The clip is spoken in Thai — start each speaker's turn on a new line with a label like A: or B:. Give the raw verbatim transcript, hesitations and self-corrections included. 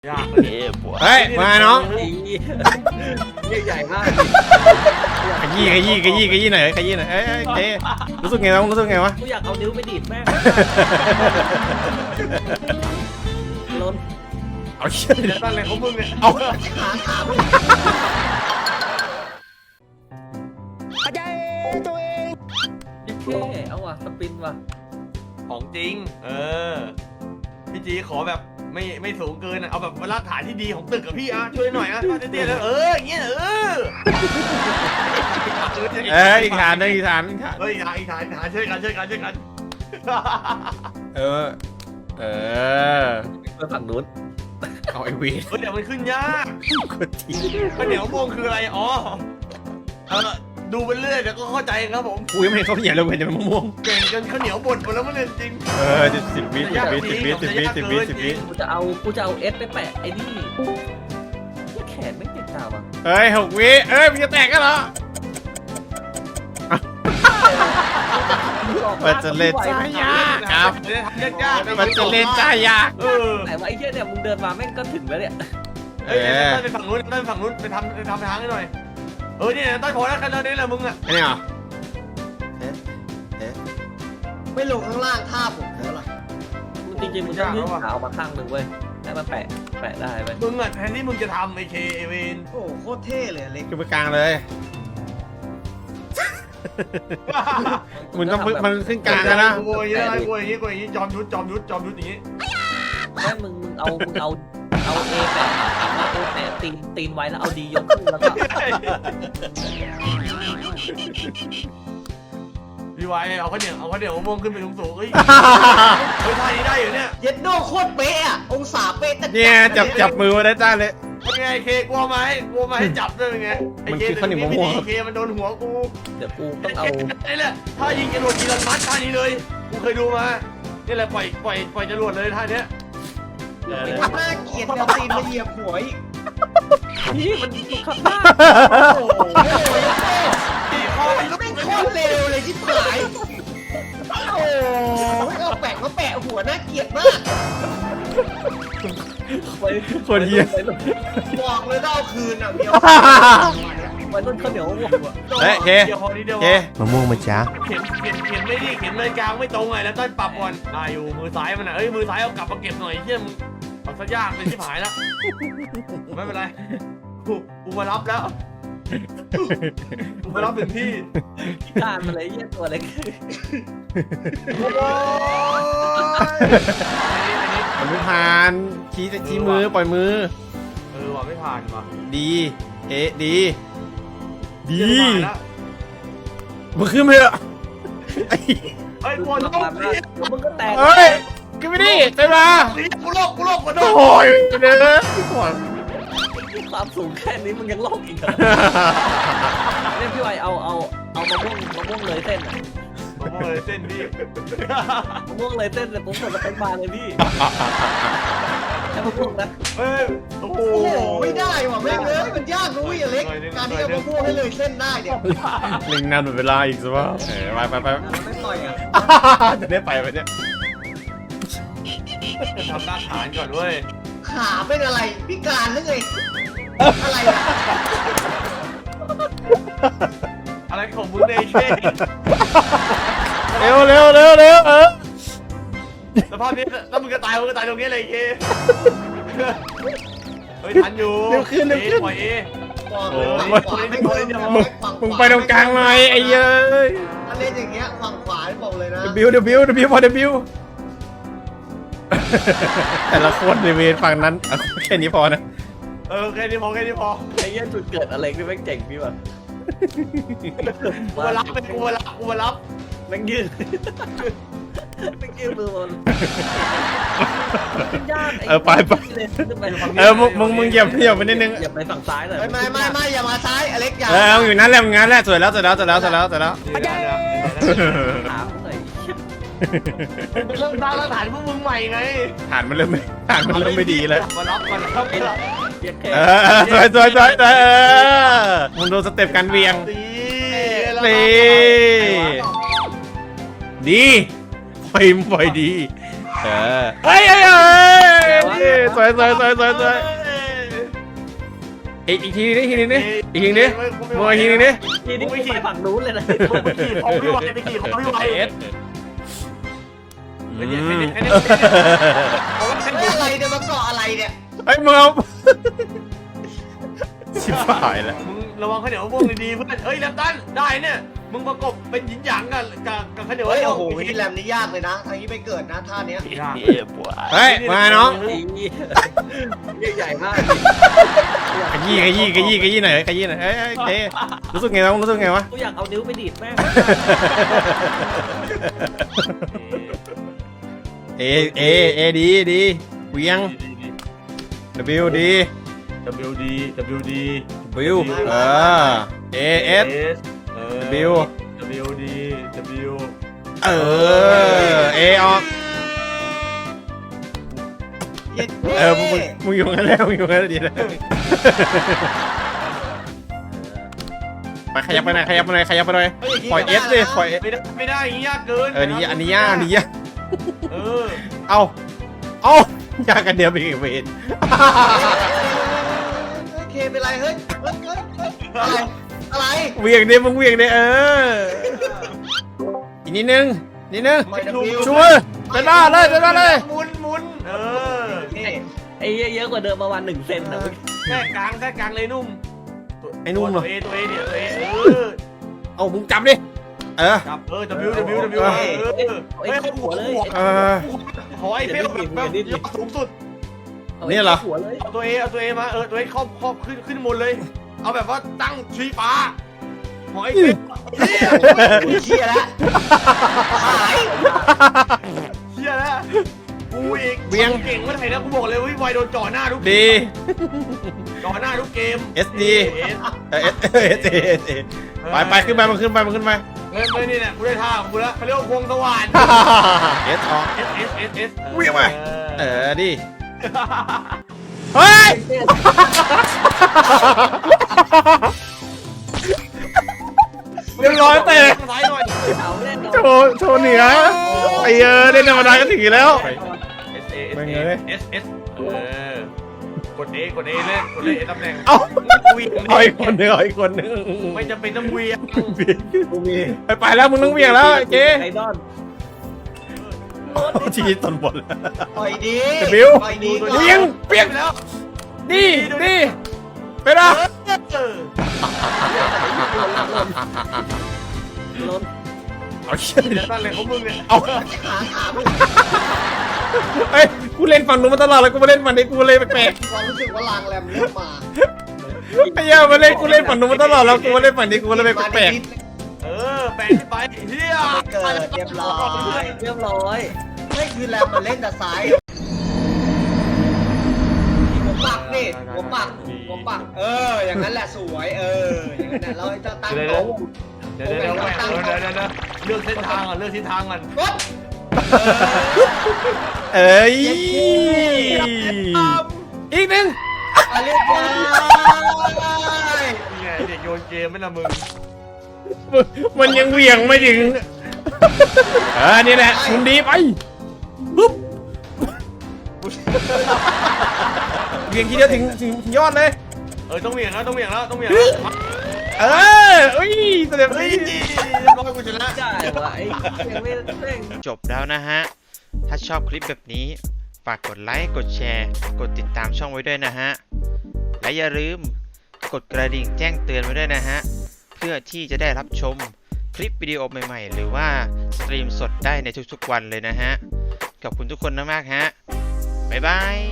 A: ยากเลย
B: เฮ้ยมาน้อง
A: ใหญ่มาก
B: ขยี้ขยี้ขยี้ขยี้หน่อยขยี้หน่อยเอ้ยเอ้ยรู้สึกไงวะรู้สึกไงวะ
C: กูอยากเอานิ้วไปดีดแม่งล้น
B: เอาเชี่ย
A: ตั้งอะไรของมึงเนี่ย
B: เอา
C: ขาขาไม่อาจารย์ตัวเองเท่เอาว่ะสปินว่ะ
A: ของจริงเออพี่จีขอแบบไม่ไม่สูงเกินเอาแบบรากฐานที่ดีของตึกกับพี่อ่ะช่วยหน่อยอ่ะเตี้ยๆเลยเอออย่างเงี้ยเออ
B: เอ้ยอีกฐานนึงอีกฐานอีกฐาน
A: เฮ้ยอีกฐานอีกฐานอีกฐานช่วยกันช่วยกันช่วยกัน
B: เออเออ
C: ไปฝั่งนู้น
B: เอาไอวี
A: เฮ้ยเดี๋ยวมันขึ้นยาก
B: คนที
A: ข้าวเหนียวม่วงคืออะไรอ๋อเออดูไปเรื่อยเดี๋ยวก็เข้าใจครับผม
B: กูยังไม่เห็นเขาเขียนเลยเห็นแต่มะม่วง
A: เก่งจนข้าวเหนียวบดหมดแล้วมันเลยจริง
B: เออสิบวิสิบวิสิบวิสิบวิสิบวิสิบวิ
C: กูจะเอากูจะเอาเอสไปแปะไอ้นี่แขนไม่ติดตาว่ะ
B: เฮ้ยหกวิเอ้ยมันจะแตกกันเหรอมันจะเล่นจ้ายากครับ
A: ยาก
B: มันจะเล่นจ้ายาก
A: เออ
C: ไหนวะไอ้เหี้ยเนี่ยมึงเดินมาแม่งก็ถึงแล้วเนี่ย
A: เฮ้ยต้นไปฝั่งนู้นต้นฝั่งนู้นไปทำไปทำทางให้หน่อยเออเนี่ยต้นพอแล้วกันตอนนี้แหละมึงอ่ะ
B: ไอ้นี่เหรอ
D: ไม่ลงข้างล่างท่าผมแล้วล่ะ
C: จริงๆมึงต้องยื่นขาออกมาข้างหนึ่งเว้ยให้มันแปะแปะได้เว้ย
A: มึงอ่ะแทนที่มึงจะทำไอเคเอเวน
D: โอ้โหโคตรเท่เลยเล็ก
B: ขึ้นไปกลางเลยมึงต้องมันขึ้นกลางนะ
A: กูอย่างนี้กูอย่างนี้กูอย่างนี้จอมยุทธจอมยุทธจอมยุทธอย่างนี้
C: แม่มึงมึงเอามึงเอาเอาเอแปะเอาเอแปะตีนตีนไว้แล้วเอาดียกขึ้นแล้วก็
A: พี่ไว้เอาข้าวเหนียวเอาข้าวเหนียวมะม่วงขึ้นไปสูงๆเฮ้ยเฮ้ยท่านี้ได้อยู่เนี่ย
D: เย็ดโดโคตรเป๊ะอะองศาเป๊ะแต่
B: เนี่ยจับจับมือมาได้จ้าเลย
A: เป็นไงเคกลัวไหมกลัวไหมให้จับด้วยเป็นไงไอเคเคมันโดนหัวกู
C: เดี๋ยวกูต้องเอา
A: ไอ้แหละถ้ายิงจรวดกีรันมัดท่านี้เลยกูเคยดูมานี่แหละปล่อยปล่อยปล่อยจรวดเลยท่าเนี้ย
D: น่าเกลียดเอาตีนมาเหยียบหัวอีก
C: พี่มันขับบ้า
D: โอ้โห
A: ตีคอไปลุก
D: ไม่ง
A: ไป
D: โคตรเร็วเลยที่ผายโอ้โหเอาแปะมาแปะหัวน่าเกลียดมาก
B: คนเยี่ย
D: บอกเลยต้องเอาคืนอ่ะเดียว
C: ไว้ต้นข้าวเหนียวม่วงว่ะ
B: เฮ้ยเค
A: เดี๋ยวพอนี้เดียว
B: เคมะม่วงมาจ้า
A: เข็มเข็มเข็มไม่ดีเข็มเลยกลางไม่ตรงไงแล้วต้นปรับก่อนได้อยู่มือซ้ายมันอ่ะเอ้ยมือซ้ายเอากลับมาเก็บหน่อยเชี่ยมึงเอาซะยากเลยที่หายแล้วไม่เป็นไรกูกูมารับแล้วกูมารับถึงที่
C: การมาเลยเยี่ยตัวเล็ก
A: โอ้ย
B: มันไม่ผ่านชี้ชี้มือปล่อยมือ
A: เออว่ะไม่ผ่านว่ะ
B: ดีเอ๊ะดีดี
A: เชี่ยผ่านแล้ว
B: มึงขึ้นไปเถอะไอ้
A: เฮ้ย
C: ดู
A: กลัว
C: ตั
A: โล
C: ว
A: ก
C: มา
A: นี่
C: เดี๋ยวมึงก็แตก
B: เฮ้ยขึ้นไปดิไปมา
A: กูโลกกูโลกกูโล
B: โอ้
A: ก
B: ยเด้อ
C: ความสูงแค่นี้มึงยังโลกอีกเหรอเนี่ยพี่ไวเอาเอาเอามะม่วงมะม่วงเลยเส้นอ่ะ
A: ผมบอกเลยเส้นพี่
C: มะม่วงเลยเส้นเลยผมกดสเปคบาร์เลยพี่แค่มะม่วงนะ
A: เฮ้ยโอ้โห
D: โอ้โหไม่ได้ว่ะแม่งเลยมันยากนุ้ยอะเล็กการที่เอามาพูดให้เลยเส้นได้เนี่ย
B: ลิงนานหมดเวลาอีกสิวะเออไปไปไป
D: ไม่ปล่อยอ่ะ
B: จะได้ไปไปเนี่ย
A: ทำรากฐานก่อนเว้ย
D: ขาเป็นอะไรพิการหรือไงอะไรอ่ะ
A: อะไรของมึงเนี่ยเช่
B: เร็วเร็วเร็วเร็วเออ
A: สภาพนี้แล้วมึงก็ตายมึงก็ตายตรงนี้เลยเช่เฮ้ยทันอยู่ปล่อยเอ
D: บอก
B: โอ้
D: เลย
B: มึง
D: ขวาไม่พ้น
B: มึงไปตรงกลางหน่อยไอ้เย้ย
D: ถ้าเล่นอย่างเงี้ยฝั่งขวาบอกเลยนะ
B: บิวเดบิวเดบิวพอเดบิวแต่ละคนในเวรฝั่งนั้นเอาแค่นี้พอนะ
A: เออแค่นี้พอแค่นี้พอ
C: ไอ้เยี่ยจุดเกิดอะไรนี่แม่งเจ๋งพี่วะ
A: กูมารับไปกูมารับกูมารับ
C: แม่งยืนแม่งยืนมือบนยาก
B: เออไปไปเออมึงมึงมึงเหยียบเหยียบไปนิดนึง
C: อย่าไปฝั่งซ้ายเลย
D: ไม่ไม่ไม่ไม่อย่ามาซ้ายอเล็กอย่า
B: เอออยู่นั้นแหละงั้นแหละสวยแล้วสวยแล้วสวยแล้วสวยแล้วสวยแล้ว
C: ถามหน่อย
A: เริ่มสร้างรากฐานพวกมึงใหม่ไง
B: ฐานมันเริ่มไม่ฐานมันเริ่มไม่ดีแล้ว
A: มารับมารับมารับ
C: เยี่ยแค่
B: เออสวยสวยสวยเออมึงดูสเต็ปการเวียง
A: ตี
B: นี่ ดีปล่อยปล่อยดีเออเฮ้ยเฮ้ยเฮ้ยสวยสวยสวยสวยสวยอีกอีกทีนึงอีกทีนึงดิอีกทีนึงดิมวยอีกทีนึงดิ
C: ทีนี้ไปฝั่งนู้นเลยนะ
A: มึงไปขี่ของพี่ไวไปขี่ของพี่ไว
B: เอส
A: ไม่ได้ไม่ได้ไม่ได้
D: เฮ้ยอะไรเนี่ยมาเกาะอะไรเนี่ย
B: เฮ้ยมึงเอาชิบหายแล้ว
A: มึงระวังข้าวเหนียวมะม่วงดีๆเพื่อนเอ้ยแลมตันได้เนี่ยมึงประกบเป็นหยินหยางกันกับกับข้าวเหนียว
D: เฮ้ยโอ้โหที่แรมนี่ยากเลยนะทางนี้ไปเกิดนะท่าเนี้ย
A: ยาก
B: เฮ้ยมาน้อง
C: ใหญ่มาก
B: ขยี้ขยี้ขยี้ขยี้หน่อยขยี้หน่อยเอ้ยเอ้ยเอ้ยรู้สึกไงวะรู้สึกไงวะ
C: กูอยากเอานิ้วไปดีดแม่ง
B: เอเอเอดีดีเวียง W ดี
A: W D W D
B: W เออ A S W
A: W D W
B: เออ A ออก
D: เย็ด
B: เออมึงมึงอยู่งั้นแล้วมึงอยู่งั้นแล้วดีแล้วไปขยับไปหน่อยขยับไปหน่อยขยับไปหน่อยปล่อยเอสดิปล่อย
A: ไม่ได้ไม่ได้อย่างนี้ยากเกิน
B: เออนี่อันนี้ยากอันนี้ยาก
A: เออ
B: เอาเอายากกันเดียวไปอีกเวท
D: เคเป็นไรเฮ้ยเฮ้ยเฮ้ยอะไรอะไร
B: เวียงดิมึงเวียงดิเอออีกนิดนึงนิดนึง
D: ไม่ดับบิว
B: ช่วยไปหน้าเลยไปหน้าเลย
A: หมุนหมุนเออ
D: นี่
C: ไอ้เยอะกว่าเดิมประมาณหนึ่งเซนนะ
A: แค่กลางแค่กลางเลยนุ่ม
B: ไอ้นุ่มเหรอ
A: ตัวเอตัวเอเนี่ยตัวเอเออ
B: เอามึงจับดิเออ
A: จับเออ W W W เออเฮ้ยเขาหัวเลย
B: เออ
A: ขอไอ้เปี้ยวแบบแบบยอดสูงสุด
B: เนี่ยเหรอ
C: หัวเลย
A: เอาตัวเอเอาตัวเอมาเออตัวเอครอบครอบขึ้นขึ้นบนเลย เอาแบบว่าตั้งชี้ฟ้าขอไอ้เปี้ยวเฮีย
D: เชี่ยแล้วหาย
A: เฮียแล้วกูอีกเบียงเก่งเมื่อไหร่นะกูบอกเลยว่าไวโดนจ่อหน้าทุก
B: ดี
A: จ่อหน้าทุกเกม
B: S D เอสเอสเอสเอไปไปขึ้นไปมันขึ้นไปมันขึ้นไป
A: เฮ้ยไม่นี่แหละกูได้ท่าของกูแล้วเขาเรียกว่าพวงสว่าน
B: เอสออก
A: S S S S
B: เวียงไปเออดิเฮ้ยเรียบร้อยเตะ
A: ซ้ายหน่อย
C: เอาเล่น
B: โชว์โชว์เหนือไอเออเล่นธรรมดาก็ถึงอยู่แล้ว
A: S A S
B: ไม่
A: A
B: เงย
A: S S เออกด A กด A เล่นกด A ตำแหน่ง
B: เอ้า
A: เวียง
B: เอาอีกคนหนึงเอาอีกคนหนึง
A: ไม่จำเป็นต้องเวียง
D: กูมี
B: ไปไปแล้วมึงต้องเวียงแล้วเจ๊
C: ไอดอน
B: ชีตนบน
D: ปล่อยดี
B: บิว
D: ปล่อยดีก่อน
B: เวียงเปียก
A: แล้ว
B: ดีดีไปนะ
A: เออ
C: ล้น
B: เอาเชี่ย
A: เดี๋ยวนั่นเลยของมึงเนี่ย
B: เอา
D: ขาขามึง
B: เอ้ยกูเล่นฝั่งนู้นมาตลอดเลยกูมาเล่นฝั่งนี้กูเลยแปลก
D: ความรู้สึกว่าลางแรมเริ่มมา
B: ๆไอ้เหี้ยมาเล่นกูเล่นฝั่งนู้นมาตลอดแล้วกูมาเล่นฝั่งนี้กูเลยแปลก
A: เออแปลงขึ้นไปเฮีย
D: เกิดเรียบร้อย
C: เรียบร้อย
D: ไม่คือแรมมันเล่นแต่ซ้ายหัวปักนี่หัวปักหัวปัก เออ อย่างนั้นแหละสวยเอออย่างนั้นแหละเราจะตั้งโต๊ะ
A: เดี๋ยวเดี๋ยวเดี๋ยวเดี๋ยวเดี๋ยวเดี๋ยวเลือกเส้นทางก่อนเลือกทิศทางก่อน
D: กด
B: ๆเอ้ยอีกหนึ่ง
D: มาเรียบร้อย
A: นี่ไงเด็กโยนเกมไม่ละมึง
B: มันยังเหวี่ยงไม่ถึงเออนี่แหละคุณดีไปปุ๊บเหวี่ยงทีเดียวถึงถึงยอดเลย
A: เออต้องเหวี่ยงแล้วต้องเหวี่ยงแล้วต้องเหวี่ยงแล้ว
B: เอออุ้ยแสดง
A: เฮ้ย
B: ดี
A: ร้อยกูชนะ
C: ใช่วะไอ้ยังไม่เร่ง
E: จบแล้วนะฮะ ถ้าชอบคลิปแบบนี้ ฝากกดไลค์ กดแชร์ กดติดตามช่องไว้ด้วยนะฮะ และอย่าลืมกดกระดิ่งแจ้งเตือนไว้ด้วยนะฮะ เพื่อที่จะได้รับชมคลิปวิดีโอใหม่ๆ หรือว่าสตรีมสดได้ในทุกๆวันเลยนะฮะ ขอบคุณทุกคนมากๆฮะ บ๊ายบาย